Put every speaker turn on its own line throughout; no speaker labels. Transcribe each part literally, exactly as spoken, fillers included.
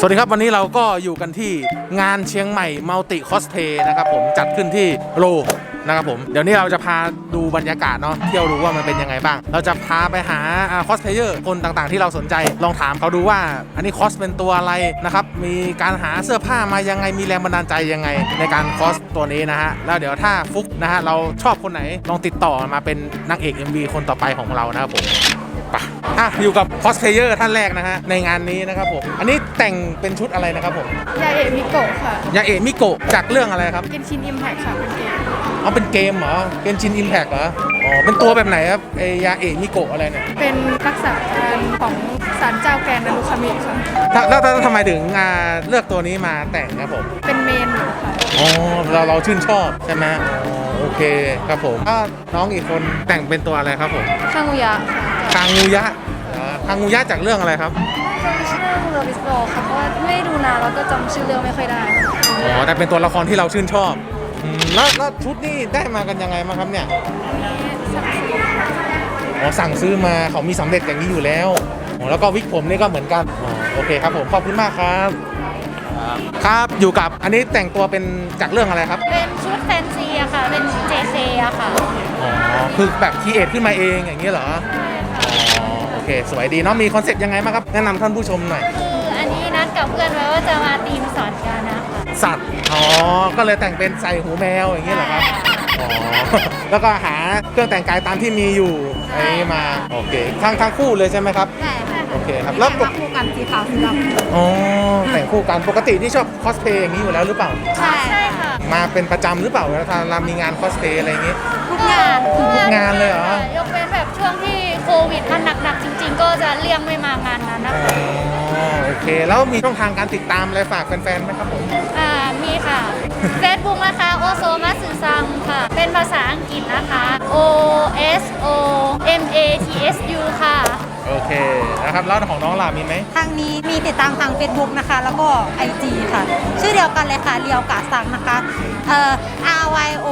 สวัสดีครับวันนี้เราก็อยู่กันที่งานเชียงใหม่มัลติคอสเพย์นะครับผมจัดขึ้นที่โลนะครับผมเดี๋ยวนี้เราจะพาดูบรรยากาศเนาะเที่ยวดูว่ามันเป็นยังไงบ้างเราจะพาไปหาคอสเพลเยอร์คนต่างๆที่เราสนใจลองถามเขาดูว่าอันนี้คอสเป็นตัวอะไรนะครับมีการหาเสื้อผ้ามายังไงมีแรงบันดาลใจยังไงในการคอสตัวนี้นะฮะแล้วเดี๋ยวถ้าฟุกนะฮะเราชอบคนไหนลองติดต่อมาเป็นนางเอก เอ็ม วี คนต่อไปของเรานะครับผมอ่ะอยู่กับคอสเพลเยอร์ท่านแรกนะฮะในงานนี้นะครับผมอันนี้แต่งเป็นชุดอะไรนะครับผม
ยาเอะมิโกะค่ะ
ยาเอะมิโกะจากเรื่องอะไรครับ
เกนชินอิมแพคค่ะเป็นเกม
เอาเป็นเกมเหรอเกนชินอิมแพคเหรออ๋อเป็นตัวแบบไหนครับไอยาเอะมิโกะอะไรเนี่ย
เป็นรักษาการของศาลเจ้าแกนนารุคามิค่ะ
แล้วทำไมถึงเลือกตัวนี้มาแต่งครับผม
เป็นเมนค่ะ
อ๋อเราเราชื่นชอบใช่ไหมอ๋อโอเคครับผมก็น้องอีกคนแต่งเป็นตัวอะไรครับผม
คางูยะ
คางูยะคางูยะจากเรื่องอะไรครับ
จำชื่อเรื่องเรือบิสโบค่ะเพราะว่าไม่ดูนานแล้วก็จำชื่อเรื่องไม่ค่อยได้
อ๋อแต่เป็นตัวละครที่เราชื่นชอบแล้วแล้วชุดนี่ได้มากันยังไงมาครับเนี่ยอ๋อสั่งซื้อมาเขามีสำเร็จอย่างนี้อยู่แล้วอ๋อแล้วก็วิกผมนี่ก็เหมือนกันอ๋อโอเคครับผมขอบคุณมากครับครับอยู่กับอันนี้แต่งตัวเป็นจากเรื่องอะไรครับ
เป็นชุดแฟนซีอะค่ะเป็น เจ เค อะค่ะ
อ๋อคือแบบคีเอทขึ้นมาเองอย่างนี้เหรออ๋อโอเคสวยดีเนาะมีคอนเซ็ปต์ยังไงบ้างครับแนะนำท่านผู้ชมหน่อย
คืออันนี้นัดกับเพื่อนไว้ว่าจะมาตีมสอนกันนะคะ
สัตว์อ๋อก็เลยแต่งเป็นใส่หูแมวอย่างนี้เหรอครับอ๋อแล้วก็หาเครื่องแต่งกายตามที่มีอยู่ไอ้มาโอเคทั้งทั้งคู่เลยใช่ไหมครับ
ใช่ค่ะ
โอเคครับแล้ว
คู่กันสีขาวสีดำ
อ๋อแต่งคู่กันปกติที่ชอบคอสเพย์อย่างนี้อยู่แล้วหรือเปล่า
ใช่ใช่ค่ะ
มาเป็นประจำหรือเปล่าเวลาเรามีงานคอสเพย์อะไรอย่างงี้
ทุกงาน
ทุกงานเลยเหรอย
กเว้นแบบช่วงที่โควิดมันหนักๆจริงๆก็จะเลี่ยงไม่มางานนั้นนะคะ
อ๋อโอเคแล้วมีช่องทางการติดตามอะไรฝากแฟนๆไหมครับผม
อ่ามีค่ะ Facebook นะคะโอโซมาสึซังค่ะเป็นภาษาอังกฤษนะคะ O S O M A T S U ค่ะ
โอเคนะครับแล้วของน้องล่ะมีไหม
ทางนี้มีติดตามทาง Facebook นะคะแล้วก็ ไอ จี ค่ะชื่อเดียวกันเลยค่ะเรียวกาซังนะคะเอ่อ R Y O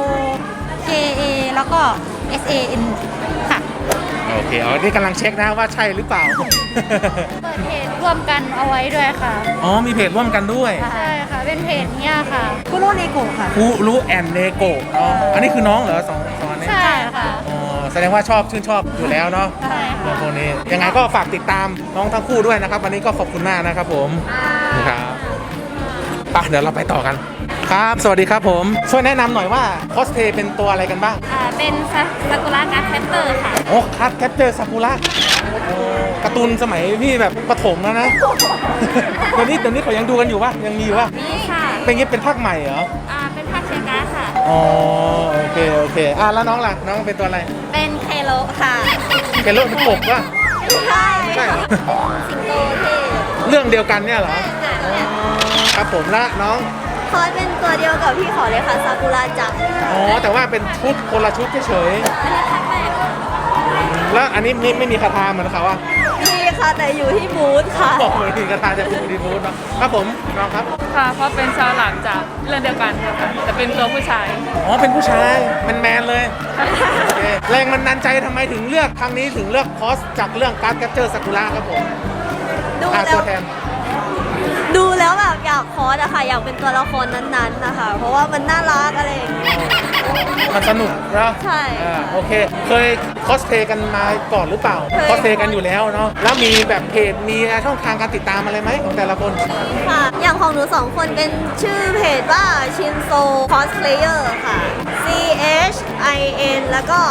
K A แล้วก็ S A N ค่ะ
โอเคอ๋อนี่กำลังเช็คนะว่าใช่หรือเปล่า
เปิดเพจร่วมกันเอาไว้ด้วยค่ะ
อ๋อมีเพจร่วมกันด้วย
ใช่ค่ะเป็นเพจเนี้ยค่ะ
คุโรเนโกะค่ะ
คุรุแอนเนโกะอ๋ออันนี้คือน้องเหรอสองสองนี้
ใช่ค่ะ
อ๋อแสดงว่าชอบชื่นชอบอยู่แล้วเนาะ
ใช่ค่ะ
ตัวนี้ยังไงก็ฝากติดตามน้องทั้งคู่ด้วยนะครับวันนี้ก็ขอบคุณมากนะครับผมครับป่ะเดี๋ยวเราไปต่อกันครับสวัสดีครับผมช่วยแนะนำหน่อยว่าคอสเพย์เป็นตัวอะไรกันบ้าง
อ่าเป็นซากุระการ์ดแคปเตอร์ค่ะ
โอ้คัดแคปเจอร์ซากุระการ์ตูนสมัยพี่แบบประถมแล้วนะเดี๋ยวนี้เดี๋ยวนี้เขายังดูกันอยู่ป่ะยังมีอยู่ป่ะ
นี่ค่ะ
เป็นงี้เป็นภาคใหม่เหรอ
อ่าเป็นภาคเชียร์การ์ดค่ะ
อ๋อโอเคโอเคอ่ะแล้วน้องล่ะน้องเป็นตัวอะไร
เป็นเคโลค่ะ
เคโลเป็นกบป่ะ
ใช่
ใช่
สิงโตเท่
เรื่องเดียวกันเนี่ยเหรอครับผมละน้อง
คอสเป็นตัวเดียวกับพี่ขอเลยค่ะซากุระจัง
อ๋อแต่ว่าเป็นชุดคนละชุดเฉย
อันนี้ครั้งแรก
แล้วอันนี้ไม่ไม่มีคาถาเหมือนเขาอ่ะ
มีค่ะแต่อยู่ที่บูธค่ะ
บอกเลยมีคาถาจะอยู่ที่บูธเนาะครับผมน้องครับ
ค่ะเพราะเป็นชาวหลังจากเรื่องเดียวกันค่ะแต่เป็นตัวผู้ชาย
อ๋อเป็นผู้ชายแมนแมนเลยแรงมันนันใจทำไมถึงเลือกครั้งนี้ถึงเลือกคอสจากเรื่องการ์ดแคปเจอร์ซากุระครับผม
ดูแล้วดูแล้วแบบอยากคอสอะค่ะอยากเป็นตัวละครนั้นๆนะคะเพราะว่ามันน่ารักอะไรอย่างเงี้ย
มันสนุกแล้ว
ใช่
โอเคเคยคอสเพลย์กันมาก่อนหรือเปล่าคอสเพลย์กันอยู่แล้วเนาะแล้วมีแบบเพจมีช่องทางการติดตามอะไรไหมของแต่ละคน
ค่ะอย่างของหนูสองคนเป็นชื่อเพจว่าชินโซคอสเพลเยอร์ค่ะ C H I N แล้วก็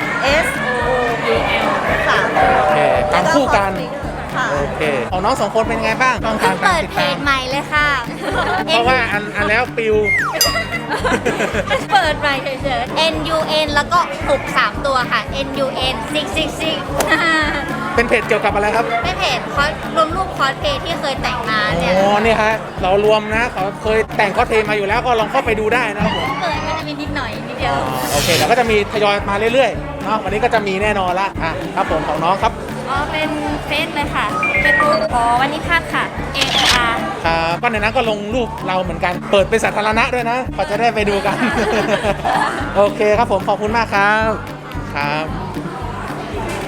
S O U L ค่ะ
โอเคทำคู่กันโอเคของน้องสองคนเป็นไงบ้างต้องการ
เปิดเพจใหม่เลยค่ะ
เพราะว่าอันอันแล้วปิว
เปิดใหม่เฉยๆ N U N แล้วก็หกสามตัวค่ะ N U N หก หก หก
เป็นเพจเกี่ยวกับอะไรครับ
เป็นเพจคอสรวมรูปคอสเพลย์ที่เคยแต่งมาเนี่ย
อ๋อนี่ฮะเรารวมนะเขาเคยแต่งคอสเพลย์มาอยู่แล้วก็ลองเข้าไปดูได้นะครับผม
เปิดก็จะมีนิดหน่อยนิดเดียว
โอเคแล้วก็จะมีทยอยมาเรื่อยๆเนาะวันนี้ก็จะมีแน่นอนละอ่ะครับผมของน้องครับ
อ๋อเป็นเฟซเลยค่ะเป็นรูปอ๋อวันนี้พาดค่ะ A O R
ครับก็ในนั้นก็ลงรูปเราเหมือนกันเปิดเป็นสาธารณะด้วยนะเขาจะได้ไปดูกันโอเคครับผมขอบคุณมากครับครับ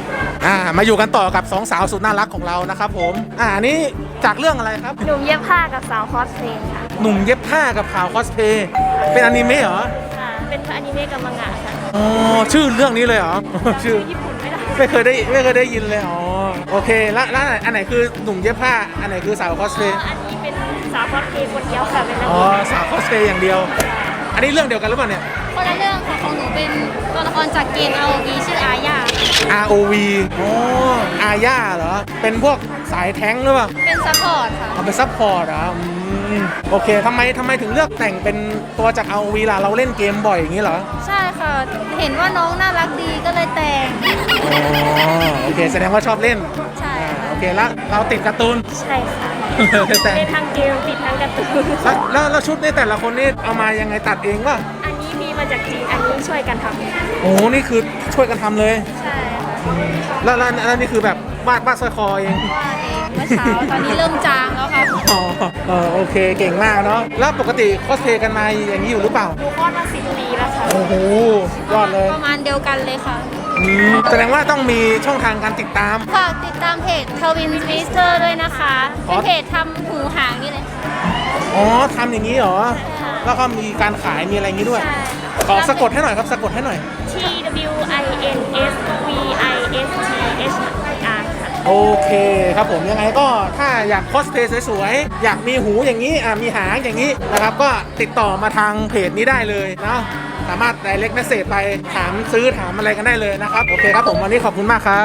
อ่ามาอยู่กันต่อกับสองสาวสุดน่ารักของเรานะครับผมอ่าอันนี้จากเรื่องอะไรครับ
หนุ่มเย็บผ้ากับสาวคอสเพลย์ค่ะ
หนุ่มเย็บผ้ากับข่าวคอสเพย์เป็นอนิเมะเหรอ
ค่ะ เป็นอนิเมะกับมังงะค่ะ
อ๋อชื่อเรื่องนี้เลยเหรอ ชื่อ
ญี่ปุ่นไม่ได้
ไม่เคยได้ไม่เคยได้ยินเลยอ๋อโอเคแล้วแล้วอันไหนคือหนุ่มเย็บผ้าอันไหนคือสาวคอสเพย์
อันนี้เป็นสาวคอสเพลย์คนเดียวค่ะ เป็นนัก
อ๋อ
เรียน
สาวคอสเพย์อย่างเดียว อันนี้เรื่องเดียวกันหรือเปล่าเนี่ย
คนละเรื่องค่ะของหนูเป็นตัวละครจากเกม อาร์ โอ วี ชื่ออาญา
อาร์ โอ วี อ๋ออาญาเหรอเป็นพวกสายแท้งหรือเปล่า
เป็นซัพพอร์ตค่ะ
เอาไปซัพพอร์ตเหรออืมโอเคทำไมทำไมถึงเลือกแต่งเป็นตัวจาก อาร์ โอ วี ล่ะเราเล่นเกมบ่อยอย่างนี้เหรอ
ใช่ค่ะ เห็นว่าน้องน่ารักดีก็เลยแต่ง
อ๋อโอเคแสดงว่าชอบเล่น
ใช่
อ่า
ค่ะ
โอเคแล้วเราติดการ์ตูน
ใช่ค่ะ
แต่
เป็นทางเกมติดทางการ์ตูน
แล้วแล้วแล้วชุดนี่แต่ละคนนี่เอามายังไงตัดเองป่ะ
อันนี้มีมาจากจีน อันนี้ช่วยกันทำ
โอ้นี่คือช่วยกันทำเลย
ใช่ค่ะ
แล้วแล้วแล้วนี่คือแบบวาดวาดสร้อยคอเอง
ว่าเองเมื่อเช้า ตอนนี้เริ่มจางแล้วค่ะ
อ๋อเออโอเคเก่งมากเนาะแล้วปกติคอสเพลย์กันมาอย่างนี้อยู่หรือเปล่า
ดูคอดมาสิบปีแล้วค่ะ
โอ้โหยอดเลย
ประมาณเดียวกันเลยค่ะ
อืมแสดงว่าต้องมีช่องทางการติดตาม
ฝากติดตามเพจทวินมิสเตอร์ด้วยนะคะ เป็นเพจทำหูหางนี่เลย
อ๋อทำอย่างนี้เหรอ แล้วก็มีการขายมีอะไรอย่างนี้ด้วย ขอสะกดให้หน่อยครับสะกดให้หน่อย
T W I N S V I S T H R ค่ะ
โอเคครับผมยังไงก็ถ้าอยากคอสเพลย์สวยๆ อยากมีหูอย่างนี้อ่ะมีหางอย่างนี้นะครับ ก็ติดต่อมาทางเพจนี้ได้เลยเนาะสามารถ direct message ไปถามซื้อถามอะไรกันได้เลยนะครับ โอเคครับผมวันนี้ขอบคุณมากครับ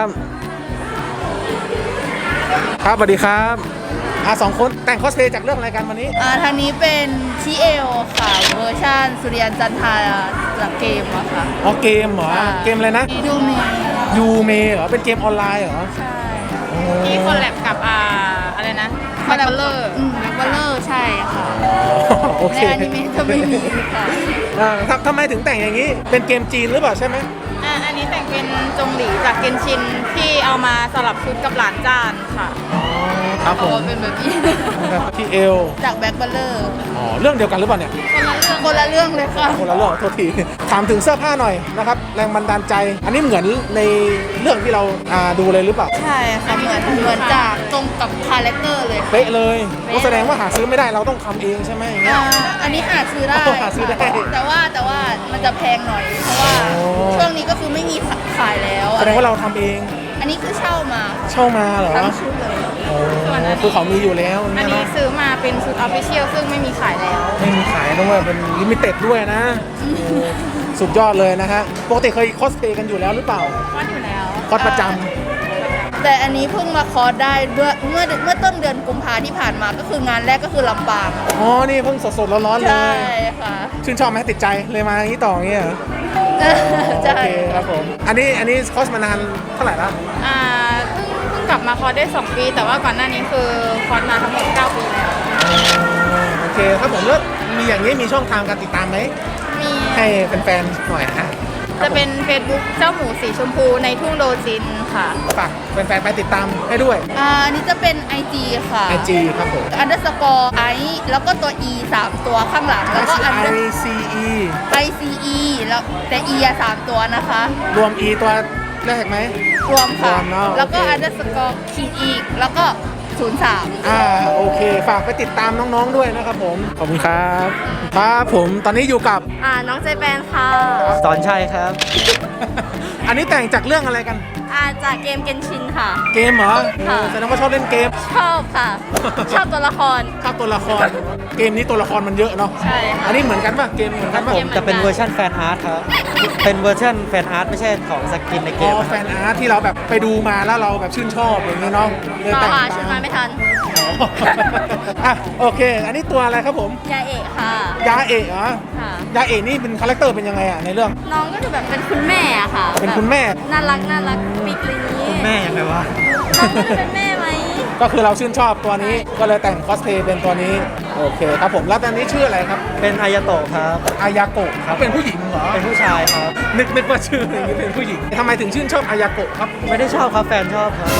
ครับสวัสดีครับอ่ะสองคนแต่งคอสเพลย์จากเรื่องอะไรกันวันนี้
อ่าทางนี้เป็นชิเอลค่ะ เวอร์ชันสุริยันจันทราจากเกมอะค่ะ
อ๋อเกมเหรอ
อ่า
เกมอะไรนะ
ดูมี
ยูเมเหรอเป็นเกมออนไลน์เหรอ
ใช่
อ๋อ
ที่คอลแลบกับอ่าอะไรนะแบ็คเบลเลอร์
อืมแบ็คบัลเลอร์ใช่ค่ะ
โอ
ใน
เค
อนิเมะจะไม่มีค่ะ
อ่าทำทำไมถึงแต่งอย่างนี้ เป็นเกมจีนหรือเปล่าใช่ไหม
อ่าอันนี้แต่งเป็นจงหลีจากเกนชินที่เอามาสลับชุดกับหลานจานค่ะ
ครับผ
ตัว
ม
เป็นแบบนี้
ที่เอล
จากแบ็คบัลเลอร์
อ๋อเรื่องเดียวกันหรือเปล่าเนี่ย
คนละเรื่องเลยค่ะ
คนละเรื่องโทษทีถามถึงเสื้อผ้าหน่อยนะครับแรงบันดาลใจ อันนี้เหมือนในเรื่องที่เราอ่าดูเลยหรือเปล่า
ใช่ค่ะเหมือนเหมือนจากตรงกับคาแรคเตอร์เลยค่ะ
เป๊ะเลยโอ้แสดงว่าหาซื้อไม่ได้เราต้องทำเองใช่ไหมอย่างเงี้ย
อ่าอันนี้หาซื้อได้
อ๋อหาซื้อได้
ค่ะแต่ว่าแต่ว่ามันจะแพงหน่อย เพราะว่า
อ๋อ
ช่วงนี้ก็คือไม่มีขายแล้ว
แสดงว่าเราทำเอง
อันนี้คือเช่ามา
เช่ามาเหรอ
ทั้งชุดเลย
โอ้คือเขามีอยู่แล้ว
อัน
เนี่ย
นี้
เนาะ
ซื้อมาเป็นชุดออฟฟิเชียลซึ่งไม่มีขายแล้ว
ไม่มีขายด้วยเป็นลิมิเต็ดด้วยนะโอ้สุดยอดเลยนะฮะปกติเคยคอสเพลย์กันอยู่แล้วหรือเปล่า
ว่าอยู่แล้ว
คอสประจ
แต่อันนี้เพิ่งมาคอร์สได้ด้วยเมื่อเมื่อต้นเดือนกุมภาที่ผ่านมาก็คืองานแรกก็คือลำปาง
ำอ๋อนี่เพิ่งสดๆร้อนๆเล
ใช่
ย
ค่ะ
ชื่นชอบไหมติดใจเลยมาอย่างนี้ต่ออย่างนี้เหรอ
ใช่
โอเคครับผม อันนี้อันนี้คอสมานานเท่าไหร่แล้ว
อ่าเพิ่งเพิ่งกลับมาคอร์สได้สองปี แต่ว่าก่อนหน้านี้คือคอร์สมาทั้งหมดเก้าปีแล้ว
โอเคครับผมแล้วมีอย่างนี้มีช่องทางการติดตามไหม
มี
ให้แฟนๆหน่อยนะ
จะเป็น Facebook เจ้าหมูสีชมพูในทุ่งโดจินค่ะ
ฝากแฟนๆไปติดตามให้ด้วย
อ่าอันนี้จะเป็น ไอ จี ค่ะ
ไอ จี ครับผม
อันเดอร์สกอร์ไอแล้วก็ตัว E สามตัวข้างหลัง แล้วก็อัน
I C E
I C E แล้วแต่ E อะสามตัวนะคะ
รวม E ตัวแรกไหม
รวมค่ะ
รวมเนอะ
แล้วก็
โอเค
อันเดอร์สกอร์ขีดอีก แล้วก็ศูนย์สาม
อ่าโอเค ฝากไปติดตามน้องๆด้วยนะครับผม ขอบคุณครับ ครับผมตอนนี้อยู่กับ
อ่า น้องใจแปนค่ะ
สอนชัยครับ
อันนี้แต่งจากเรื่องอะไรกัน
อ่า จากเกมเกนชินค่ะ
เกมเหรอ
ค่ะ
โอ้แสดงว่าชอบเล่นเกม
ชอบค่ะ ชอบตัวละคร
ชอบตัวละคร เกมนี้ตัวละครมันเยอะเนาะ
ใช่ค่ะ
อันนี้เหมือนกันป่ะ เกมเหมือนกันป่ะ
ผมจะเป็นเวอร์ชันแฟนอาร์ตครับ เป็นเวอร์ชันแฟนอาร์ตไม่ใช่ของสกินในเก
อ๋
ม
อ
นะ
แฟ
ครับ
นอาร์ตที่เราแบบไปดูมาแล้วเราแบบชื่นชอบอย่างเงี้ยเนาะเลย
ต่อ
แต่ง
ค่ะชุดมาไม่ทัน
อ๋อ อ่ะโอเค อันนี้ตัวอะไรครับผม
ยาเอกค่ะ
ยาเอะเหรอ
ค่ะ
ยาเอะนี่เป็นคาแรคเตอร์เป็นยังไงอ่ะในเรื่อง
น้องก็จะแบบเป็นคุณแม่อะค่ะ
เป็นคุณแม่
แบบน่ารักน่ารักปิดอะไรอย่างนี้
แม่ยังไงวะ
น้องก็จะเป็นแม่ไหม
ก็คือเราชื่นชอบตัวนี้ก็เลยแต่งคอสเพลย์เป็นตัวนี้โอเคครับผมแล้วตอนนี้ชื่ออะไรครับ
เป็นอายาโตะครับ
อายาโกะครับเป็นผู้หญิงเหรอ
เป็นผู้ชายครับ
นึกนึกว่าชื่ออย่างนี้เป็นผู้หญิงทำไมถึงชื่นชอบอายาโกะครับ
ไม่ได้ชอบครับแฟนชอบครับ
อ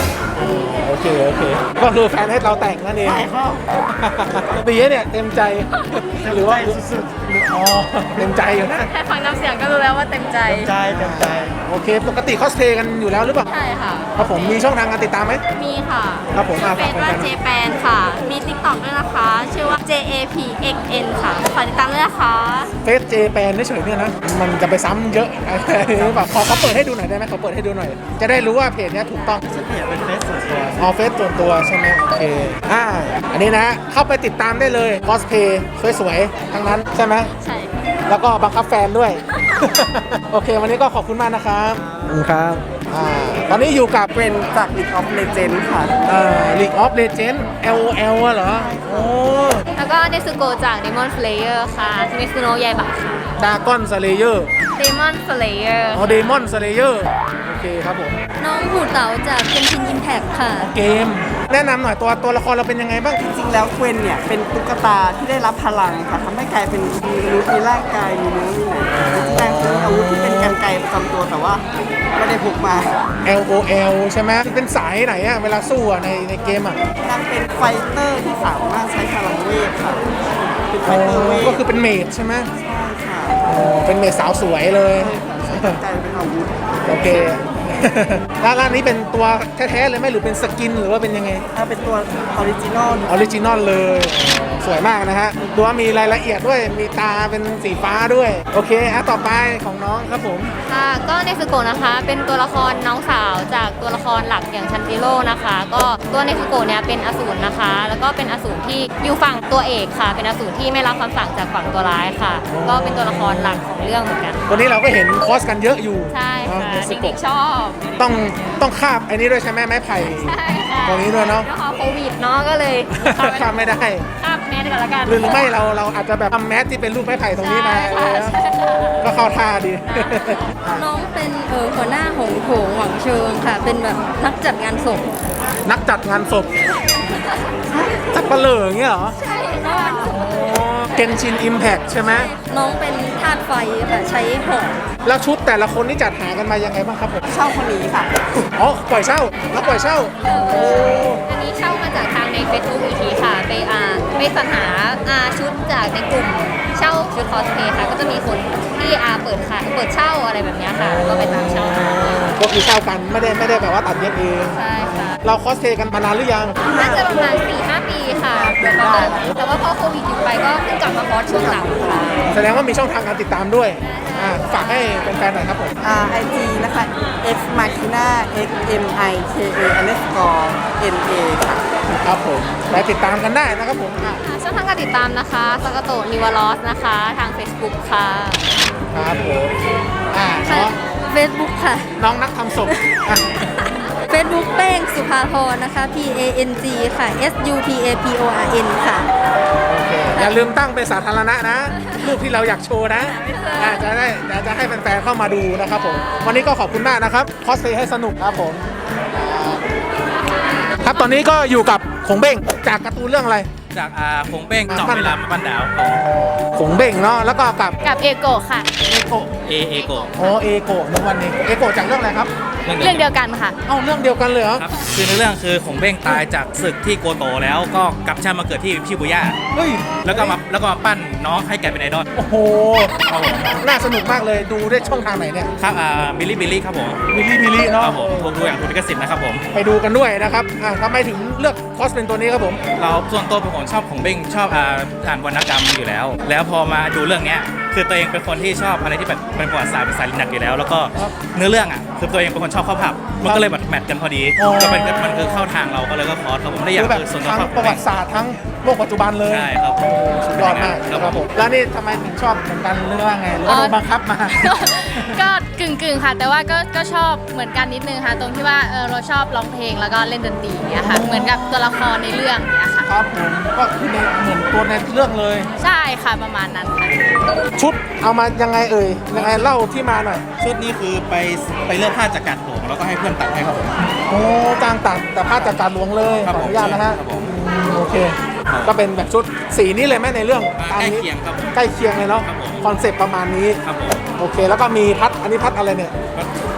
โอเคโอเคก็คือแฟนให้เราแต่งนั่นเองใช่ครับดีเนี่ยเต็มใจหรือว่าสุดๆอ๋อเต็มใจอยู่นะ
แค่ฟังน้ำเสียงก็รู้แล้วว่าเต็มใจ
ใจเต็มใจ
โอเค ปกติคอสเพลย์กันอยู่แล้วหรือเปล่า
ใช่ค่ะ
ครับผมมีช่องทางการติดตามไหม
มีค่ะ
ครับผมอ่า
เฟ
ฝาก
ซ
แฟ
ว่าน
ๆ
เจ
นะ
แปนค่ะ มี TikTok ด้วยนะคะ ชื่อว่า J A P X N ค่ะฝากติดตามด้วยนะคะ
เฟซเจแปนเฉยๆเนี่ยนะมันจะไปซ้ำเยอะหรือเปล่าขอเขาเปิดให้ดูหน่อยได้ไหมเขาเปิดให้ดูหน่อย จะได้รู้ว่าเพจเนี้ยถูกต้อง
ฉันเนี่ยเป็นเฟซส่วนตัว
ออเฟซส่วนตัวใช่ไหมโอเคอ่าอันนี้นะเข้าไปติดตามได้เลยคอสเพย์สวยๆทั้งนั้นใช่ไหม
ใช่
แล้วก็บังคับแฟนด้วย โอเค วันนี้ก็ขอบคุณมากนะครับครับอ่าตอนนี้อยู่กับ
เป็นจาก League of Legends ค่ะ
เอ่อ League of Legends แอล โอ แอล อะเหรอ โอ้
แล้วก็เนซึโกะจาก Demon Slayer ค่ะเนซึโนะยายบะค่ะ
ดากอนสเลเยอร์
Demon Slayer
อ๋อเดมอนสเลเยอร์โอเคครับผม
น้องหูเต๋าจาก Genshin Impact ค่ะ
เกม แนะนำหน่อยตัวตัวละครเราเป็นยังไงบ้าง
จริงๆแล้วเควนเนี่ย เป็นตุ๊กตาที่ได้รับพลังค่ะทำให้กลายเป็นมีมนุษย์มีร่างกาย มีเนื้อมีหนังแต่คืออาวุธที่เป็นกรรไกรประจำตัวแต่ว่าไม่ได้พกมา
แอล โอ แอล ใช่ไหมเป็นสายไหนอะเวลาสู้อะในในเกมอะ
นางเป็นไฟเตอร์ที่สามารถใช้พลังเวทค่ะ เป็นไฟ
อ๋อ
เตอร์เวท
ก็คือเป็นเมดใช่ไหม
ใช่ค่ะ
อ๋อเป็นเมดสาวสวยเลย
ใช้กรรไกรเป็นอาวุธ
โอเค แล้วร้านนี้เป็นตัวแท้ๆเลยไหมหรือเป็นสกินหรือว่าเป็นยังไง
ถ้าเป็นตัวออริจินอล
ออริจินอลเลย สวยมากนะฮะ ดูว่ามีรายละเอียดด้วย มีตาเป็นสีฟ้าด้วย โอเคอ่ะต่อไปของน้องครับผม
ค่ะ ก็เนซึโกะนะคะ เป็นตัวละครน้องสาวจากตัวละครหลักอย่างชันจิโร่นะคะ ก็ตัวเนซึโกะเนี่ยเป็นอสูรนะคะ แล้วก็เป็นอสูรที่อยู่ฝั่งตัวเอกค่ะ เป็นอสูรที่ไม่รับคำสั่งจากฝั่งตัวร้ายค่ะ ก็เป็นตัวละครหลักของเรื่องเหมือนกัน
ตัวนี้เราก็เห็นคอสกันเยอะอยู่
ใช่ค่ะ
เนซึ
เด็ก
โกะ
ๆชอบ
ต้องต้องคาบไอ้นี้ด้วยใช่ไหมไม้ไผ่
ใช่ค่ะ
ตัวนี้ด้วยเนาะ
แล้วพอโควิดเนาะก็เลย
คาบไม่ได้
ข้ามแมสก่อนละกัน
หรือไม่เราเราอาจจะแบบทำแมสที่เป็นรูปไม้ไผ่ตรงนี้มา
ใช่ค่ะใช่ค่ะ
ก็เข้าท่าดี
น้องเป็นเออหัวหน้าหงโถงหวังเชิงค่ะ เป็นแบบนักจัดงานศพ
นักจัดงานศพจัดเปลืออย่างเงี้ยเหรอ
ใช่น้อง
เกนชินอิมแพ t ใช่ไหม
น้องเป็นธาตุไฟค่ะ ใช้หอก
แล้วชุดแต่ละคนนี่จัดหากันมายังไงบ้างครับผม
เช่าคนนี้ค่ะ
อ๋อ ปล่อยเช่าแล้วปล่อยเช่า โอ้
อันนี้เช่ามาจากทางใน Facebook อีกทีค่ะ ไปอ่าไปสรรหาอาชุดจากในกลุ่มเช่าชุดคอสเพลย์ค่ะ ก็จะมีคนที่อาเปิดขายเปิดเช่าอะไรแบบเนี้ยค่ะ ก็ไปตามเช่ามา
ก็คือเช่ากันไม่ได้ไม่ได้แบบว่าตัดเย็บเอง
ใช่ค่ะ
เราคอสเพลย์กันมานานหรือยัง
น่าจะประมาณ สี่ห้า ปีค่ะประมาณแต่ว่าพอโควิดหยุดไปก็เพิ่งกลับมาคอสช่วงหลังค่ะ
แสดงว่ามีช่องทางการติดตามด้วยอ่าฝากให้แฟนๆหน่อยครับผม
อ่า ไอ จี นะคะ x machina x m i k a underscore n a ค่ะ
ครับผมไปติดตามกันได้นะครับผมอ่ะ
ช่องทางการติดตามนะคะสกโตนิวลอสนะคะ ทาง Facebook ค่ะ
ครับผมอ่าน้อง
Facebook ค่ะ
น้องนักทำศพอ่ะ
Facebook แป้งสุภาพรนะคะ P A N G ค่ะ S U P A P O R N ค่ะ
โอเคอย่าลืมตั้งเป็นสาธารณะนะรูปที่เราอยากโชว์นะอ่าจะได้จะจะให้แฟนๆเข้ามาดูนะครับผมวันนี้ก็ขอบคุณมากนะครับคอสเพลย์ให้สนุกครับผมครับตอนนี้ก็อยู่กับขงเบ้งจากการ์ตูนเรื่องอะไร
จากอาคงเป้งเจาะเวลามาบ้านดาวของ
ขงเบ้งเนาะแล้วก็กับ
กับเอโกะค่ะ
เอโกะ
เอเอโกะ
อ๋อเอโกะในวันนี้เอโกะจากเรื่องอะไรครับ
เรื่องเดียวกันค่ะ
เอ้าเรื่องเดียวกันเลยเหรอ
ครับคือในเรื่องคือคงเป้งตายจากศึกที่โกโตแล้วก็กลับชาติมาเกิดที่ชิบุย่า
เฮ้ย
แล้วก็มาแล้วก็มาปั้นน้องให้กลายเป็นไอดอล
โอ้โหน่าสนุกมากเลยดูได้ช่องทางไหนเนี่ย
ครับอ่าบิลลี่บิลลี่ครับผม
มิลลี่มิลลี่
ค
เนาะ
รับผมถูกดูอย่างถูกลิขสิทธิ์นะครับผม
ไปดูกันด้วยนะครับอ่ะทำไมถึงเลือกคอสเป็นตัวนี้ครับผม
เราส่วนตัวเป็นคนชอบของเบ้งชอบอ่าอ่านวรรณกรรมอยู่แล้ว แล้วพอมาดูเรื่องเนี้ยคือตัวเองเป็นคนที่ชอบอะไรที่แบบเป็นประวัติศาสตร์เป็นสายลินักอยู่แล้ว แล้วก็เนื้อเรื่องอ่ะคือตัวเองเป็นคนชอบเข้าผับมันก็เลยแบบแมทกันพอดีก็เป็นมันคือเข้าทางเราก็เลยก็คอร์สครับผมได้อย่าง
คือแบบ
คือส่วนตัว
ทั้ง
ชอบ
ประวัติศาสตร์ทั้งโลกปัจจุบันเลย
ใช่ครับผม
สุดยอดมาก
ครับ
ครับ
ผ
ผม มแล้วนี่ทำไมถึงชอบเหมือนกันหรือว่าไงหรือว่า
เอ่อ
โดนบังคับมา
ก็กึ่งกึ่งๆค่ะ แต่ว่าก็ก็ชอบเหมือนกันนิดนึงค่ะ ตรงที่ว่าเออเราชอบร้องเพลงแล้วก็เล่นดนตรีอย่างเงี้ยค่ะ เหมือนกับตัวละครในเรื่องเนี้ยค่ะ
ครับผมก็คือในเหมือนตัวในเรื่องเลย
ใช่ค่ะประมาณนั้นค่ะ
ชุดเอามายังไงเอ่ยยังไงเล่าที่มาหน่อย
ชุดนี้คือไปไปเลือกผ้าจากกัดผมแล้วก็ให้เพื่อนตัดให้ครับผม
โอ้จ้างตัดแต่ผ้าจากการหลวงเลยข
ครับ
อ
ผม
อนุญาตนะฮะ
ครับผม
อืมโอเค ก็เป็นแบบชุดสีนี้เลยไหมในเรื่อง
อ่า
ตาม
ใกล้
นี้
เคียงครับผม
ใกล้เคียงเลยเนาะ
ครับผม
คอนเซปต์ประมาณนี้
ครับผม
โอเค แล้วก็มีพัดอันนี้พัดอะไรเนี่ย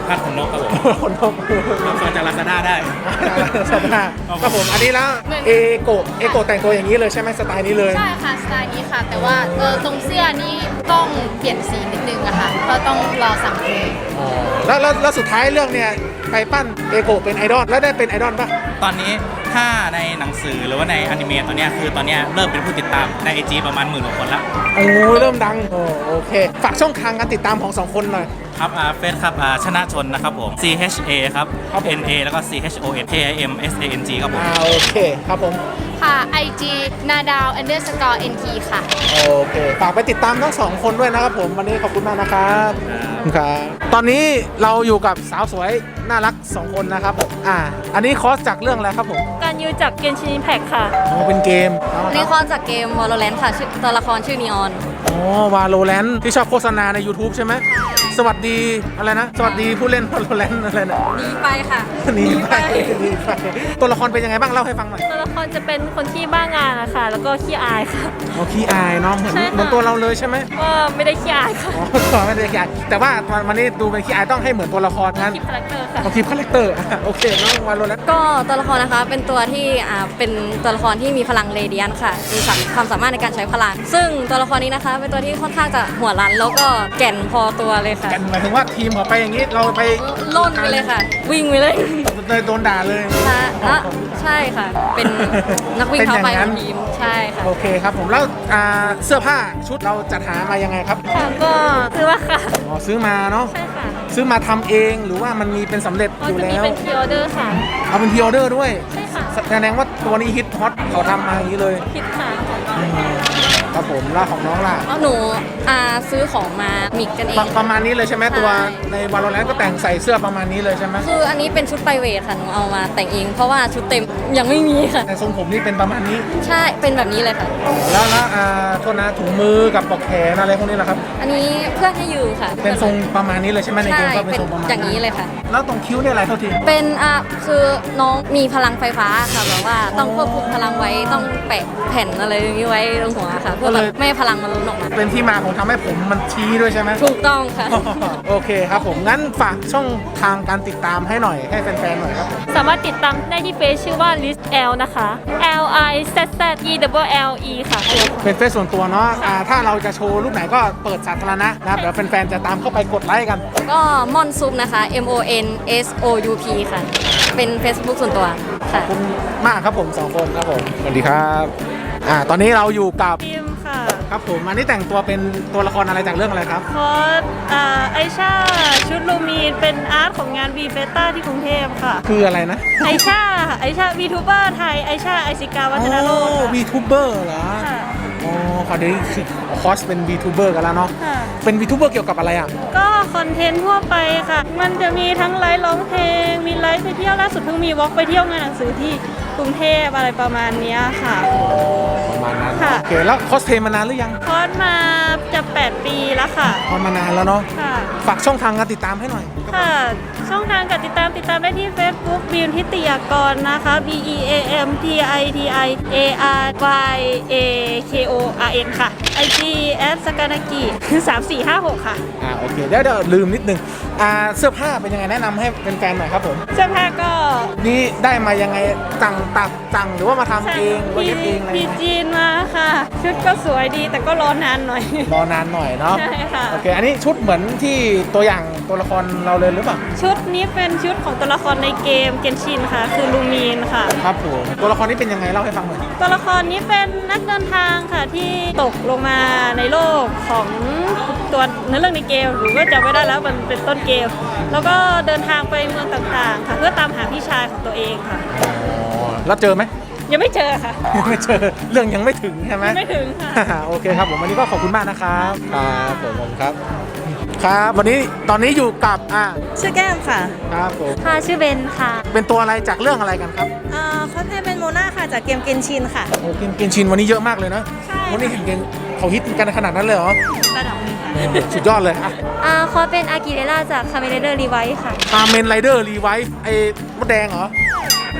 พัดขนนกครับผม
คนนก
รับซื้อจากลาซาด้าได้
สวัสดีครับผมอันนี้แล้วเอโกะเอโกะแต่งตัวอย่างนี้เลยใช่ไหมสไตล์นี้เลย
ใช่ค่ะสไตล์นี้ค่ะ แต่ว่าเออตรงเสื้อนี่ต้องเปลี่ยนสีนิดนึงอะค่ะก็ต้องรอสั่งเลย
อ๋อแล้วแล้วแล้วสุดท้ายเรื่องเนี่ยไปปั้นเอโกะเป็นไอดอลแล้วได้เป็นไอดอลป่ะ
ตอนนี้ถ้าในหนังสือหรือว่าในอนิเมะตอนเนี้ยคือตอนเนี้ยเริ่มเป็นผู้ติดตามในไอจีประมาณหมื่นกว่าคนละ
โอ้ยเริ่มดังโอ้โอเค ฝากช่องทางการติดตามของสองคนหน่อย
ครับอ่าเฟซครับอ่าชนะชนนะครับผม C H A ครับ
ครับผม
N A แล้วก็ C H O N K I M S A N G ครับผม
อ่าโอเคครับผม
ค่ะ ไอ จี นาดาว underscore nt ค่ะ
โอเคฝากไปติดตามทั้งสองคนด้วยนะครับผมวันนี้ขอบคุณมากนะครับครับตอนนี้เราอยู่กับสาวสวยน่ารักสองคนนะครับผมอ่าอันนี้คอร์สจากเรื่องอะไรครับผม
การยูจากเกนชินแพ็กค่ะ
อ๋อเป็นเกม
นี่ข้อจากเกม Valorant ค่ะชื่อตัวละครชื่อนีออน
อ๋อวาโลแรนที่ชอบโฆษณาใน YouTube ใช่ไหมสวัสดีอะไรนะ สวัสดีผู้เล่นวาโลแรนอะไรนะ
หนีไปค่ะ
หนีไปหนีไปตัวละครเป็นยังไงบ้างเล่าให้ฟังหน่อย
ตัวละครจะเป็นคนที่บ้างานนะคะแล้วก็ขี้อายค่ะ
อ๋อขี้อายเนาะเหมือน
ใช่ค่ะ
เหมือนตัวเราเลยใช่ไหม
ก็ไม่ได้ขี้อายค่ะ
อ๋อไม่ได้ขี้อายแต่ว่าตอนวันนี้ดูเป็นขี้อายต้องให้เหมือนตัวละครนั้น
คลิปคาแรคเตอร์ค่ะ
เอาคลิปคาแรคเตอร์อ่ะโอเคน้องวาโลแรน
ก็ตัวละครนะคะเป็นตัวที่อ่าเป็นตัวละครที่มีพลังเรเดียนค่ะมีความสามารถในการใช้พลัง ซึ่งตัวละครนี้นะคะเป็นตัวที่ค่อนข้างจะหัวรั้นแล้วก็แก่นพอตัวเลยค่ะ
กันหมายถึงว่าทีมเขาไปอย่างนี้เราไป
ล่นไปเลยค่ะ วิ่งไปเลย
เลยโดนด่าเลย
ค่ะอ่ะใช่ค่ะ เป็นนักวิ่งเท้าไป
เป็นอ
ข
ย่างนั้
อน งทีมใช่ค่ะ
โอเคครับผมแล้วอ่าเสื้อผ้าชุดเราจัดหามายังไงครับ
ค่ะก็คือว่าค่ะ
อ๋อซื้อมาเนาะ
ใช่ค่ะ
ซื้อมาทำเองหรือว่ามันมีเป็นสำเร็จ
ก็
อยู่
จะมี
แล้ว
เป็นพรีออเดอร์ค่ะ
เอาเป็นพรีออเดอร์ด้วย
ใช่ค่ะ
แสดงว่าตัวนี้ฮิตฮอตเขาทำมาอย่างนี้เลย
คิดค่ะ
ครับผมแล้วของน้องล่ะ
เอาหนูอ่าซื้อของมามิกกันเอ
ป
ง
ระประมาณนี้เลยใช่ไหม
ใช่
ตัวในวาโลแรนก็แต่งใส่เสื้อประมาณนี้เลยใช่ไหม
คืออันนี้เป็นชุดไปเวทค่ะหนูเอามาแต่งเอง เพราะว่าชุดเต็มยังไม่มีค่ะ
แต่ทรงผมนี่เป็นประมาณนี้
ใช่เป็นแบบนี้เลยค่ะ
แล้วแล้วอ่าโทษนะถุงมือกับปลอกแขนอะไรพวกนี้แหละครับ
อันนี้เพื่อนให้อยู่ค่ะ
เป็นทรงประมาณนี้เลยใช่ไหมใน
ใช่
เกมก็เป็น
เป็น
ทรงประมาณ
อย่างนี้เลยค่ะ
แล้วตรงคิ้วเนี่ยอะไรเท่าที
เป็นอ่ะคือน้องมีพลังไฟฟ้าค่ะแบบว่าต้องควบคุมพลังไว้ต้องแปะแผ่นอะไรอย่างนี้ไว้ตรงหัวค่ะ เพื่อแบบไม่ให้พลังมันล้นออกมา
เป็นที่มาของทำให้ผมมันชี้ด้วยใช่ไหม
ถูกต้องค่ะ
โอเคครับผมงั้นฝากช่องทางการติดตามให้หน่อยให้แฟนๆหน่อยครับผม
สามารถติดตามได้ที่เฟซชื่อว่า list l นะคะ l i z z e w l e ค่ะ
เป็นเฟซส่วนตัวเนาะอ่าถ้าเราจะโชว์รูปไหนก็เปิดสาธารณะนะครับเดี๋ยวแฟนๆจะตามเข้าไปกดไลค์กัน
ก็มอนซุปนะคะ m o n s o u p ค่ะ เป็น Facebook ส่วนตัวค่ะ
ขอบคุณมากครับผมสองคนครับผมสวัสดีครับอ่าตอนนี้เราอยู่กับ
ทีมค่ะ
ครับผมอันนี้แต่งตัวเป็นตัวละครอะไรจากเรื่องอะไรครับ
คอสอ่าไอชาชุดลูมีนเป็นอาร์ตของงานวีเฟต้าที่กรุงเทพค่ะ
คืออะไรนะ
ไอชาค่ะไอชาวีทูเบอร์ไทยไอชาไอซิกาวัฒนโลกค่ะ
วีทูเบอร์เหรอ
ค่ะ
อ๋อขอเดี๋ยวนี้คือคอสเป็นวีทูเบอร์กันแล้วเนาะ
ค่ะ
เป็นวีทูเบอร์เกี่ยวกับอะไรอ่ะ
ก็คอนเทนต์ทั่วไปค่ะ มันจะมีทั้งไลฟ์ร้องเพลง มีไลฟ์ไปเที่ยวล่าสุดเพิ่งมีวอล์กไปเที่ยวงานหนังสือที่กรุงเทพอะไรประมาณเนี้ยค่ะ
ประมาณนั้น
ค่ะ
โอเคแล้วคอสเพลย์มานานหรือยัง
คอสมาจะแปดปีแล้วค่ะ
คอสมานานแล้วเนาะ
ค่ะ
ฝากช่องทางการติดตามให้หน่อย
ค่ะ ช่องทางการติดตามติดตามได้ที่ Facebook บีมทิติยากรนะคะ B E A M T I T I A R Y A K O R N ค่ะ ไอ จี แอท สกานากิสามสี่ห้าหกค่ะ
อ่าโอเคเดี๋ยวเดี๋ยวลืมนิดนึงอ่าเสื้อผ้าเป็นยังไงแนะนำให้แฟนๆหน่อยครับผม
เสื้อผ้าก็
นี่ได้มายังไงสั่งตัดสั่งหรือว่ามาทำเองหรือว่า
พี
เย็บเองอะไร
พี
ยังไง
จีนมาค่ะ ชุดก็สวยดีแต่ก็รอนานหน่อย
รอนานหน่อยเนาะ
ใช่ค่ะ
โอเคอันนี้ชุดเหมือนที่ตัวอย่างตัวละครเราเลยหรือเปล่า
ชุดนี้เป็นชุดของตัวละครในเกมเกนชินค่ะ คือลูมีนค่ะ
ครับผมตัวละครนี้เป็นยังไงเล่าให้ฟังหน่อย
ตัวละครนี้เป็นนักเดินทางค่ะที่ตกลงมาในโลกของตัวเนื้อเรื่องในเกมหรือว่าจำไม่ได้แล้วมันเป็นต้นเกม แล้วก็เดินทางไปเมืองต่างๆ ค่ะเพื่อตามหาพี่ชายของตัวเองค่ะ
อ๋อแล้วเจอไหม
ยังไม่เจอค่ะ
ยังไม่เจอเรื่องยังไม่ถึงใช่ไหม
ยังไม่ถึงค่ะ
โอเคครับผมวันนี้ก็ขอบคุณมากนะครับครับผมผมครับ ครับวันนี้ตอนนี้อยู่กับอ่า
ชื่อแก้มค่ะ
ครับผม
ค่ะ ชื่อเบนค่ะ
เป็นตัวอะไรจากเรื่องอะไรกันครับ
อ่าคอสเพลย์เป็นโมนาค่ะจากเกมเกนชินค่ะ
โอ้กินกินชินวันนี้เยอะมากเลยนะ
ใช่
วันนี้เห็นกันเขาฮิตกันขนาดนั้นเลยเหรอ
ระดับหนึงค่ะ
สุดยอดเลยอะ
อ่าคอสเป็นอากิเรล่าจากคาเมเดอร์รีไวท์ค่ะ
คาเมนไรเดอร์รีไวฟ์ไอ้มดแดงเหรอ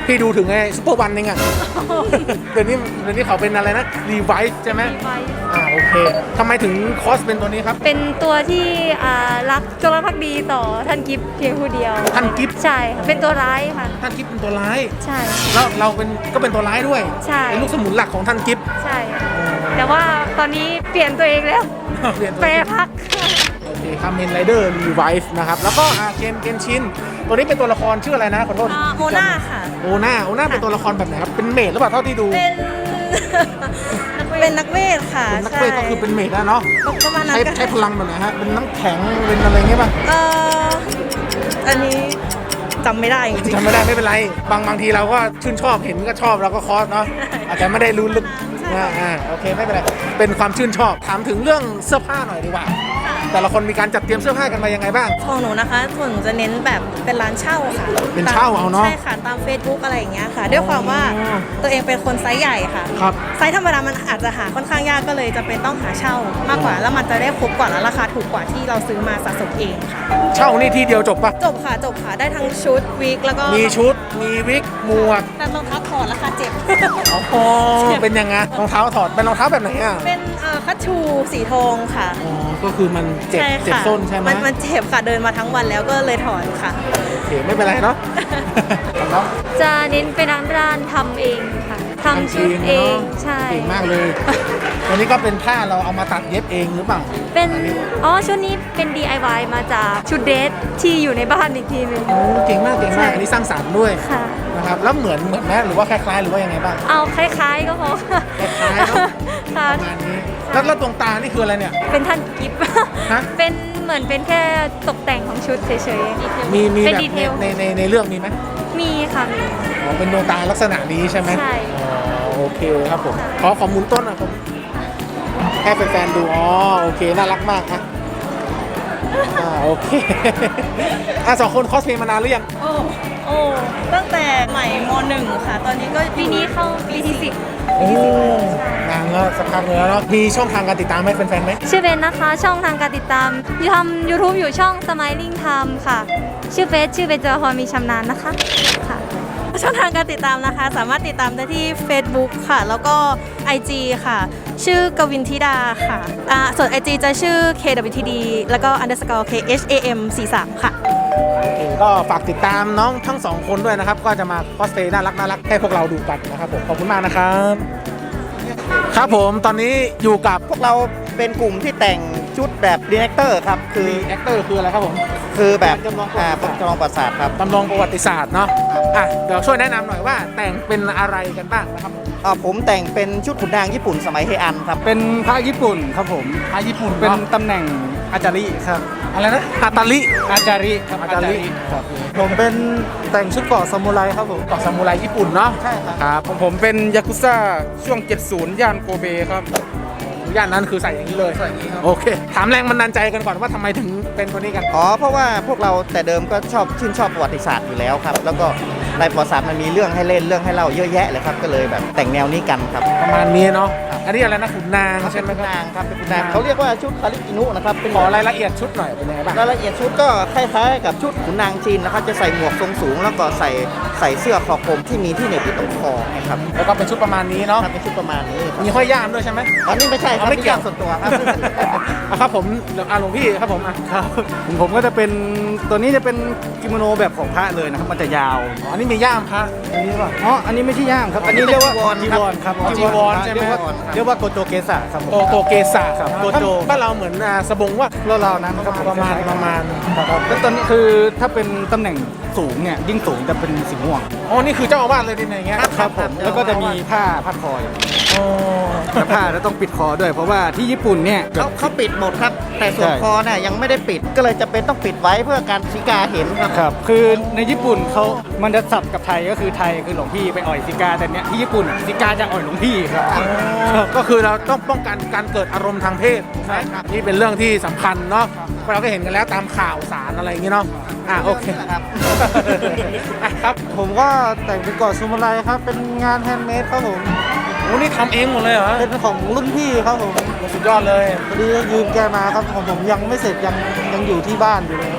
พี่ดูถึงไอ้ซุปเปอร์วันเองอะ เดี๋ยวนี้เดี๋ยวนี้เขาเป็นอะไรนะรีไวซ์ใช่ไหมอ่าโอเคทำไมถึงคอสเป็นตัวนี้ครับ
เป็นตัวที่อ่ารักจงรักภักดีต่อท่านกิฟต์เพียงผู้เดียว
ท่านกิฟต์
ใช่ค่ะเป็นตัวร้ายค่ะ
ท่านกิฟต์เป็นตัวร้าย
ใช่
แล้วเราเป็นก็เป็นตัวร้ายด้วย
ใช่
เป็นลูกสมุนหลักของท่านกิฟต์
ใช่ค่ะแต่ว่าตอนนี้เปลี่ยนตัวเองแล้ว
เปลี่ยนตัว
แปรพัก
โอเคครับเมนไรเดอร์รีไวซ์นะครับแล้วก็อ่าเกมเกนชินตัวนี้เป็นตัวละครชื่ออะไรนะขอโทษ
โอน่าค่ะ
โอน่าโอน่าเป็นตัวละครแบบไหนครับเป็นเมดหรือเปล่าเท่าที่ดู
เป็น เป็นนักเวทค่ะ
เป็นนักเวทก็คือเป็นเมดแล้วเนาะ
ประมาณนั้น
ใช้
ก็
ใช้พลังแบบไหนฮะเป็นน้ำแข็งเป็นอะไรเงี้ยป่ะ
เอ่ออันนี้จำไม่ได้จริงๆ
จำไม่ได้ไม่เป็นไรบางบางทีเราก็ชื่นชอบเห็นก็ชอบเราก็คอสเนาะอาจจะไม่ได้รู้ลึกอ่าอ่าโอเคไม่เป็นไรเป็นความชื่นชอบถามถึงเรื่องเสื้อผ้าหน่อยดีกว่าแต่ละคนมีการจัดเตรียมเสื้อผ้ากันมายังไงบ้าง
ของหนูนะคะส่วนหนูจะเน้นแบบเป็นร้านเช่าค่ะ
เป็นเช่าเอาเนอะ
ใช่ค่ะตาม Facebook อะไรอย่างเงี้ยค่ะ ด้วยความว่าตัวเองเป็นคนไซส์ใหญ่ค่ะ
ครับ
ไซส์ธรรมดามันอาจจะหาค่อนข้างยากก็เลยจะเป็นต้องหาเช่ามากกว่า แล้วมันจะได้ครบกว่าและราคาถูกกว่าที่เราซื้อมาสะสมเองค่ะ
เช่านี่ที่เดียวจบปะ
จบค่ะจบค่ะได้ทั้งชุดวิกแล้วก็
มีชุดมีวิกหมวก
แต่รองเท้าถอดราคาเจ็บ
โอ้โหเป็นยังไงรองเท้าถอดเป็นรองเท้าแบบไหนอ่ะ
เป็นเอ่อคัชชูสีทองค่ะ
อ๋อก็คือมันเจ็บ
ใช่
เจ็บ
ค่ะ
ส้นใช่ไหม
มันมันเจ็บค่ะเดินมาทั้งวันแล้วก็เลยถอนค่ะ
โอเคไม่เป็นไรเนาะ ครับ
จะเน้นเป็นร้านทำเองค่ะทำชุดเองใช่
เก่งมากเลยวันนี้ก็เป็นผ้าเราเอามาตัดเย็บเองหรือเปล่า
เป็นอ๋อชุดนี้เป็น ดี ไอ วาย มาจากชุดเดรสที่อยู่ในบ้านอีกทีหนึง
โอ้เก่งมากเก่งมากอันนี้สร้างสรรค์ด้วย
ค่ะ
นะครับแล้วเหมือนเหมือนแม่หรือว่าคล้ายๆหรือว่ายังไงบ้าง
เอาคล้ายๆก็พอค่ะ
คล้ายๆเนอะ
ค่ะ
ประมาณนี้แล้วแล้วดวงตานี่คืออะไรเนี่ย
เป็นท่านกิฟต์
ฮะ
เป็นเหมือนเป็นแค่ตกแต่งของชุดเฉยๆ
มีมี
เป็น
แบบ
ดีเท
ใน
ล
ในในในเรื่องมีไหม
มีค่ะมี
อ๋อเป็นดวงตาลักษณะนี้ใช่ไหม
ใช่
อ๋อโอเคครับผมขอขอหมุนต้นหนะผมให้แฟนๆดูอ๋อโอเคน่ารักมากอ่ะอ่าโอเค อ่ะสองคนคอสเพลย์มานานหรือยัง
โอ้โอ้ตั้งแต่ใหม่มหนึ่งค่ะ ตอนนี้ก็ปีนี้เข้าปีที่สิบ
โอ้นานแล้วสักพักเลยแล้วเนาะมีช่องทางการติดตามให้แฟนๆไหม
ชื่อเบนนะคะ ช่องทางการติดตามทำ YouTube อยู่ช่อง Smiling Time ค่ะ ชื่อเฟซชื่อเบนจอฮอมีชำนาญนะคะค่ะ ช่องทางการติดตามนะคะ สามารถติดตามได้ที่ Facebook ค่ะ แล้วก็ ไอ จี ค่ะ ชื่อกวินธิดาค่ะอ่าส่วน ไอ จี จะชื่อ เค ดับเบิลยู ที ดี แล้วก็ underscore เค เอช เอ เอ็ม สี่สาม ค่ะ
โอเคก็ฝากติดตามน้องทั้งสองคนด้วยนะครับ ก็จะมาคอสเพลย์น่ารักน่ารักให้พวกเราดูกันนะครับผมขอบคุณมากนะครับ ครับผมตอนนี้อยู่กับ
พวกเราเป็นกลุ่มที่แต่งชุดแบบดีเนคเตอร์ครับ คือ
แอคเตอร์คืออะไรครับผม
คือแบบ
จำลองประวั
อ่า
ติศาสตร์
จำลองประวัติศาสตร์ครับ
จำลองประวัติศาสตร์เนาะอ่ะเดี๋ยวช่วยแนะนำหน่อยว่าแต่งเป็นอะไรกันบ้างนะครับ
อ่าผมแต่งเป็นชุดขุนนางญี่ปุ่นสมัยเฮอันครับ
เป็นพระญี่ปุ่นครับผม
พาญี่ปุ่น
เป็น
เนาะ
ตำแหน่งอาจาริครับ
อะไรนะฮาตาลิ
อาจาริครับ
อาจาริ
ครับผมเป็นแต่งชุดเกราะซามูไรครับผม
เกาะซามูไรญี่ปุ่นเนาะ
ใช่ครับ
ครับ
ผมเป็นยากุซ่าช่วง เจ็ดสิบ ย่านโกเบครับ
ย่านนั้นคือใส่อย่างนี้เลย
ใส่อย่างนี้ครับ
โอเค ถามแรงบันดาลใจกันก่อนว่าทำไมถึงเป็นตัวนี้กัน
อ๋อ เพราะว่าพวกเราแต่เดิมก็ชอบชื่นชอบประวัติศาสตร์อยู่แล้วครับ แล้วก็ในประวัติศาสตร์มันมีเรื่องให้เล่นเรื่องให้เล่าเยอะแยะเลยครับ ก็เลยแบบแต่งแนวนี้กันครับ
ประมาณนี้เนาะอันนี้อะไรนะขุนนางใช่ไหม
เป็น
ครับ
นางครับเป็นขุนนางเขาเรียกว่าชุดคาริกินุนะครับเป็น
ขอรายละเอียดชุดหน่อยเป็นยังไงบ้าง
รายละเอียดชุดก็คล้ายๆกับชุดขุนนางจีนนะครับจะใส่หมวกทรงสูง แล้วก็ใส่ใส่เสื้อคอกลมที่มีที่เหน็บที่ตรงคอนะครับ
แล้วก็เป็นชุดประมาณนี้เนาะ
ครับเป็นชุดประมาณนี้ครับ
มีห้อยย่ามด้วยใช่ไหม
อันนี้ไม่ใช่ครับ
เอาไม่เกี่ยว
ป็นรื่องส่วนตัวครับ
อ่ะครับผมเดี๋ยวอ่ะหลวงพี่ครับผมอ่ะ
ครับผมก็จะเป็นตัวนี้จะเป็นกิโมโนแบบของพระเลยนะครับ มันจะยาว
อ๋ออันนี้มีย่ามพระอันนี้ป่ะ
อ๋อ อันนี้ไม่ใช่ย่ามครับ อันนี้เรียกว่า
จี
จี
ว
ว
ร
รครับ
อ๋อจีวรใช่ไหม
เรียกว่าเรียกว่าโกโจเกสะครับผม
โกโกเกสะ
ครับ
อ่า
โกโจ
บ้านเราเหมือนอ่าสบงว่า
เราๆนั้นครับ
ประมาณประมาณ
ครับแล้วตอนนี้คือถ้าเป็นตำแหน่งสูงเนี่ยยิ่งสูงจะเป็นสีม่วง
อ๋อนี่คือเจ้าอาวาสเลยดิเนี่ยอย่างเงี้ย
ครับผมแล้วก็จะมีผ้าผ้าคอย
อ๋อ
แต่ผ้าแล้วต้องปิดคอด้วย เพราะว่าที่ญี่ปุ่นเนี่ย
เขาเขาปิดหมดครับ แต่ส่วน
ใช่
คอเนี่ยยังไม่ได้ปิดก็เลยจะเป็นต้องปิดไว้เพื่อการสีกาเห็นครับ
ครับ คือในญี่ปุ่นเขามันจะสับกับไทยก็คือไทยคือหลวงพี่ไปอ่อยซิกาแต่เนี้ยที่ญี่ปุ่นซิกาจะอ่อยหลวงพี่ครับ
ก็คือเราต้องป้องกันการเกิดอารมณ์ทางเพศ
ใช่ครับ
นี่เป็นเรื่องที่สำคัญเนาะเราก็เห็นกันแล้วตามข่าวสารอะไรอย่างงี้เนาะอ่ะโอเค
ครับ
อ่ะครับ
ผมก็แต่งเป็นเกาะซูมาไรครับ เป็นงานแฮนด์เมดครับผม
โอ้นี่ทำเองหมดเลยเหรอ
เป็นของรุ่นพี่ครับผม
สุดยอดเลย
พอดียืมแกมาครับของผมยังไม่เสร็จยังยังอยู่ที่บ้านอยู่เลย
อ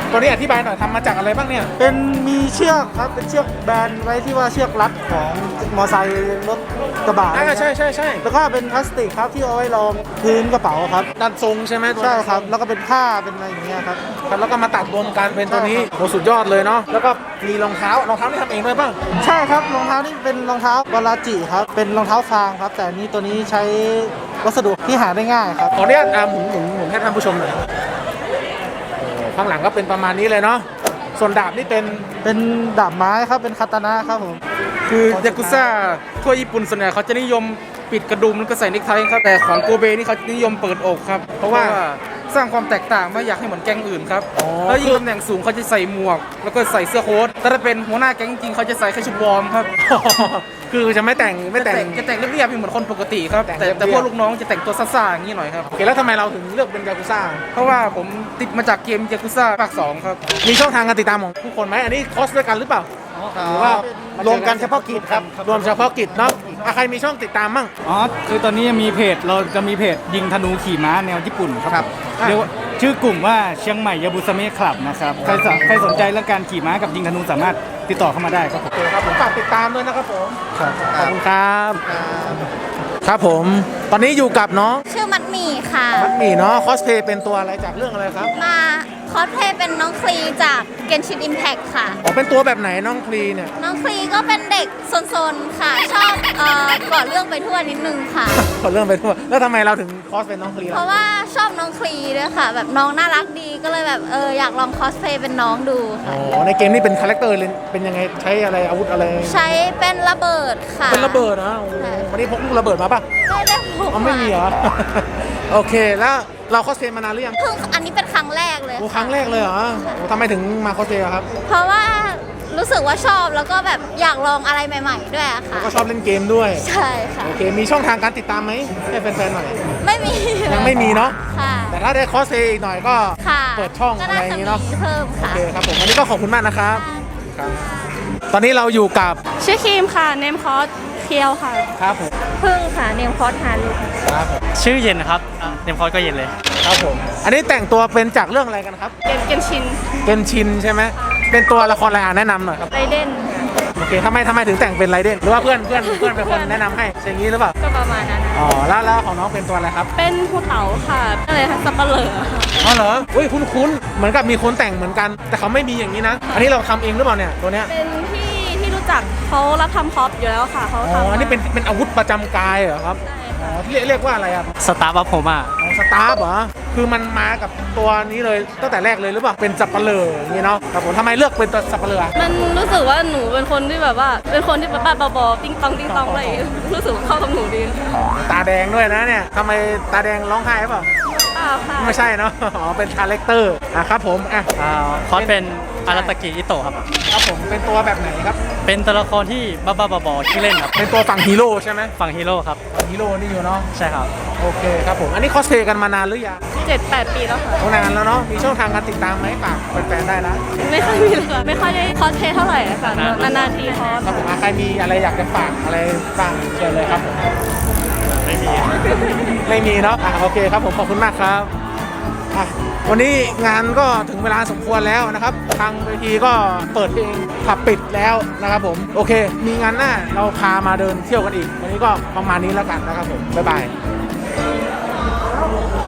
ตัวนี้อธิบายหน่อยทำมาจากอะไรบ้างเนี่ย
เป็นมีเชือกครับเป็นเชือกแบนไว้ที่ว่าเชือกรัดของมอไซค์รถกระบะ
อ่าใช่ใช่ใช่
แล้วก็เป็นพลาสติกครับที่เอาไว้รองพื้นกระเป๋าครับ
ดันทรงใช่ไหมตัว
ใช่
นั้น
ครับแล้วก็เป็นผ้าเป็นอะไรอย่างเงี้ยครับ
ครับแล้วก็มาตัดรวมกันเป็นตัวนี้โหสุดยอดเลยเนาะแล้วก็มีรองเท้ารองเท้าที่ทำเองด้วยป่ะ
ใช่ครับรองเท้านี่เป็นรองเท้าบาลาจิครับเป็นรองเท้าฟางครับ แต่อันนี้ตัวนี้ใช้วัสดุที่หาได้ง่ายครับ
ขออนุญาตอ่าหมุนหมุนหมุนให้ท่านผู้ชมหน่อยโอ้ข้างหลังก็เป็นประมาณนี้เลยเนาะส่วนดาบนี่เป็น
เป็นดาบไม้ครับเป็นคาตานะครับผม
คือยากุซ่าทั่วญี่ปุ่นส่วนใหญ่เขาจะนิยมปิดกระดุมแล้วก็ใส่เนคไทครับแต่ของโกเบนี่เขานิยมเปิดอกครับ เพราะว่าสร้างความแตกต่างไม่อยากให้เหมือนแก๊งอื่นครับแล้วยิ่งตำแหน่งสูงเขาจะใส่หมวก แล้วก็ใส่เสื้อโค้ทแต่ถ้าเป็นหัวหน้าแก๊งจริงเขาจะใส่แค่ชุดวอร์มครับ
คือจะไม่แต่งไม่แต่ง
จะแต่งเรียบๆเหมือนคนปกติครับ
แต่ง
แต่
เรียบๆ
แต่พวกลูกน้องจะแต่งตัวซ่าๆอย่างนี้หน่อยครับ
โอเคแล้วทำไมเราถึงเลือกเป็นยากุซ่า
เพราะว่าผมติดมาจากเกมยากุซ่าภาคสองครับ
มีช่องทางการติดตามของทุกคนไหมอันนี้คอสด้วยกันหรือเปล่าหรือว่าร
วมกันเฉพาะกิจครับ
รวมเฉพาะกิจเนาะอ่ะใครมีช่องติดตามมั่ง
อ๋อคือตอนนี้มีเพจเราจะมีเพจยิงธนูขี่ม้าแนวญี่ปุ่นครับ
อ่ะ
เรียกว่าชื่อกลุ่มว่าเชียงใหม่ยาบุสเมะคลับนะครับใครสนใครสนใจเรื่องการขี่ม้ากับยิงธนูสามารถติดต่อเข้ามาได้ครับผม
โอเคครับผมฝากติดตามด้วยนะครับผมขอบคุณครับ ครับผม ตอนนี้อยู่กับน้อง
ชื่อมัดหมี่ค่ะ
มัดหมี่เนาะคอสเพย์เป็นตัวอะไรจากเรื่องอะไรครับ
มาคอสเพลย์เป็นน้องคลีจากเกนชินอิมแพ t ค่ะ
อ๋อเป็นตัวแบบไหนน้องคลีเนี่ย
น้องคลีก็เป็นเด็กซนๆค่ะ ชอบเอ่อก่อเรื่องไปทั่วนิดนึงค่ะ
ขอเรื่องไปทั่วแล้วทำไมเราถึงคอสเป็นน้องคลี
เพ
ล่ะ
ราะว่าชอบน้องคลีด้วยค่ะ แบบน้องน่ารักดีก็เลยแบบเอออยากลองคอสเพลย์เป็นน้องดู
อ๋
ค่ะ
อในเกมนี้เป็นคาแรคเตอร์เลยเป็นยังไงใช้อะไรอาวุธอะไร
ใช้เป็นระเบิดค่ะ
เป็นระเบิดนะโอ้โหวันนี้พกลูกระเบิดมาป่ะ
ไม่ได้พก
อ๋อไม่มีเหรอ โอเคแล้วเราคอสเพย์มานานหรือยัง
เพิ่งอันนี้เป็นครั้งแรกเลย
โอ้
ค่ะ
ครั้งแรกเลยเหรอโอ้ทำไมถึงมาคอสเพย์อะครับ
เพราะว่ารู้สึกว่าชอบแล้วก็แบบอยากลองอะไรใหม่ ๆ ด้วยอะ
แล้ว
ค่ะ
ก็ชอบเล่นเกมด้วย
ใช่ค่ะ
โอเคมีช่องทางการติดตามไหมให้แฟนๆหน่อย
ไม่มี
ยังไม่มีเนาะ
ค่ะ
แต่ถ้าได้คอสเพย์อีกหน่อยก็
ค่ะ
เปิดช่อง
ก็
อะไรอย่างงี้เนาะ
มีเพิ่ม
โอ
ค่ะ
เคครับผมวันนี้ก็ขอบคุณมากนะครับครับตอนนี้เราอยู่กับ
ชื่อครีมค่ะ เนมคอสเคียวค่ะ
ครับผม
พึ่งค่ะ เนมคอสฮารุ
ครับผม
ชื่อเย็นครับเนมคอร์ก็เย็นเลย
ครับผมอันนี้แต่งตัวเป็นจากเรื่องอะไรกันครับ
เกนเกนชิน
เกนชินใช่ไหมเป็นตัวละครอะไรอ่ะแนะนำหน่อยครับ
ไรเดน
โอเคทำไมทำไมถึงแต่งเป็นไรเดนหรือว่าเพื่อนเพื่อนเพื่อนเป็นคนแนะนำให้ใช่อย่างนี้หรือเปล่า
ก็ประมาณนั้นนะ
อ๋อแล้วแล้วของน้องเป็นตัวอะไรครับ
เป็นภูเต๋าค่ะก็เลยสับปะเหร่อค่ะ
อ๋อเหรออุ้ยคุ้นๆเหมือนกับมีคนแต่งเหมือนกัน แต่เขาไม่มีอย่างนี้นะ อันนี้เราทำเองหรือเปล่าเนี่ยตัวเนี้ย
เป็นที่ที่รู้จักเขารับทำคอปอยู่แล้วค่ะเขา
อ๋อ
ทำ
อันนี้เป็นเป็นอาวุธประจำกายเหรอครับ
ใช่
อ๋อ
ค่ะ
ที่เรียกเรียกว่าอะไรอ่ะ
สตาร์บัคผมอ่ะ
อ๋อสตาร์ฟเหรอคือมันมากับตัวนี้เลยตั้งแต่แรกเลยหรือเปล่าเป็นสับปะเลออย่างนี้เนาะครับผมทำไมเลือกเป็นตัวสับปะเลอ
มันรู้สึกว่าหนูเป็นคนที่แบบว่าเป็นคนที่แบบบ้าๆบอๆติ้งตองติ้งตองอะไรอย่างเงี้ยรู้สึกว่าเข้ากับหนูดี
ตาแดงด้วยนะเนี่ยทำไมตาแดงร้องไห้เปล่า
อ้าวค่ะ
ไม่ใช่เนาะ อ๋อ เป็นคาแรคเตอร์อ่ะครับผม อ่ะ
คอสเป็นอาราตากิอิโตะครับ
ครับผม เป็นตัวแบบไหนครับ
เป็นตัวละครที่บ้าๆบอๆที่เล่นครับ
เป็นตัวฝั่งฮีโร่ใช่ไหม
ฝั่งฮีโร่ครับ
ฝั่งฮีโร่นี่อยู่เนาะ
ใช่ครับ
โอเคครับผม อันนี้คอสเพลย์กันมานานหรือยัง
เจ็ดแปดปีแล้วค่ะ
โอ้นานแล้วเนาะ มีช่องทางการติดตามไหมฝากแฟนๆได้นะ
ไม่ค่อยมีเลยค่ะไม่ค่อยได้คอสเพลย์เท่าไหร่อะค่ะนานๆทีคอส
ครับผมอ่ะใครมีอะไรอยากจะฝากอะไรบ้างเชิญเลยครับผม
ไม่มี
ไม่มีเนาะ อ่ะโอเคครับผมขอบคุณมากครับอ่ะวันนี้งานก็ถึงเวลาสมควรแล้วนะครับ ทางเวทีก็เปิดเพลงผับปิดแล้วนะครับผม โอเค มีงานหน้าเราพามาเดินเที่ยวกันอีก วันนี้ก็ประมาณนี้แล้วกันนะครับผม บ๊ายบาย